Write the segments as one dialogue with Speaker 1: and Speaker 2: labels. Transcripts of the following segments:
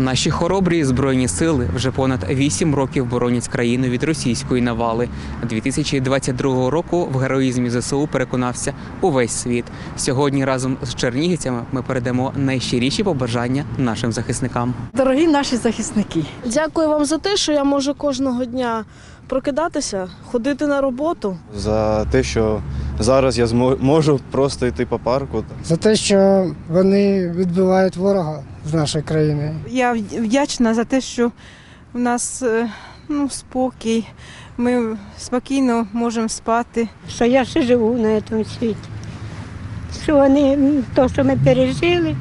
Speaker 1: Наші хоробрі Збройні сили вже понад 8 років боронять країну від російської навали. 2022 року в героїзмі ЗСУ переконався увесь світ. Сьогодні разом з чернігівцями ми передамо найщиріші побажання нашим захисникам.
Speaker 2: Дорогі наші захисники,
Speaker 3: дякую вам за те, що я можу кожного дня прокидатися, ходити на роботу.
Speaker 4: За те, що зараз я можу просто йти по парку.
Speaker 5: За те, що вони відбивають ворога з нашої країни.
Speaker 6: Я вдячна за те, що в нас спокій, ми спокійно можемо спати.
Speaker 7: Що я ще живу на цьому світі, що вони, то, що ми пережили.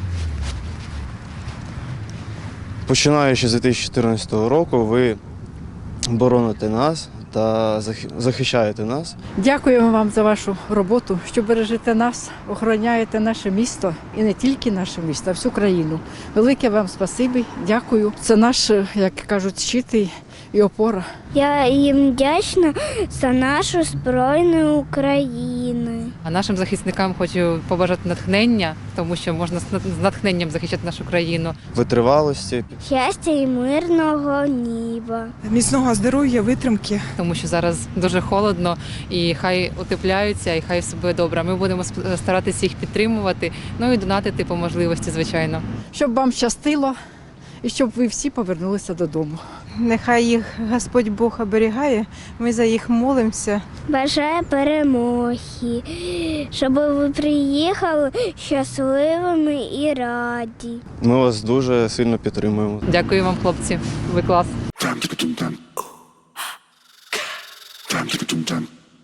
Speaker 4: Починаючи з 2014 року, ви бороните нас та захищаєте нас.
Speaker 2: дякуємо вам за вашу роботу, що бережете нас, охороняєте наше місто і не тільки наше місто, а всю країну. Велике вам спасибі, дякую. Це наш, як кажуть, щит і опора.
Speaker 8: Я їм вдячна за нашу Збройну Україну.
Speaker 9: А нашим захисникам хочу побажати натхнення, тому що можна з натхненням захищати нашу країну.
Speaker 4: Витривалості.
Speaker 8: Щастя і мирного неба.
Speaker 6: Міцного здоров'я, витримки.
Speaker 9: Тому що зараз дуже холодно і хай утепляються, і хай все буде добре. Ми будемо старатися їх підтримувати, ну і донатити по можливості, звичайно.
Speaker 2: Щоб вам щастило і щоб ви всі повернулися додому.
Speaker 6: Нехай їх Господь Бог оберігає, ми за їх молимося.
Speaker 8: Бажаю перемоги, щоб ви приїхали щасливими і раді.
Speaker 4: Ми вас дуже сильно підтримуємо.
Speaker 9: Дякую вам, хлопці. Ви клас.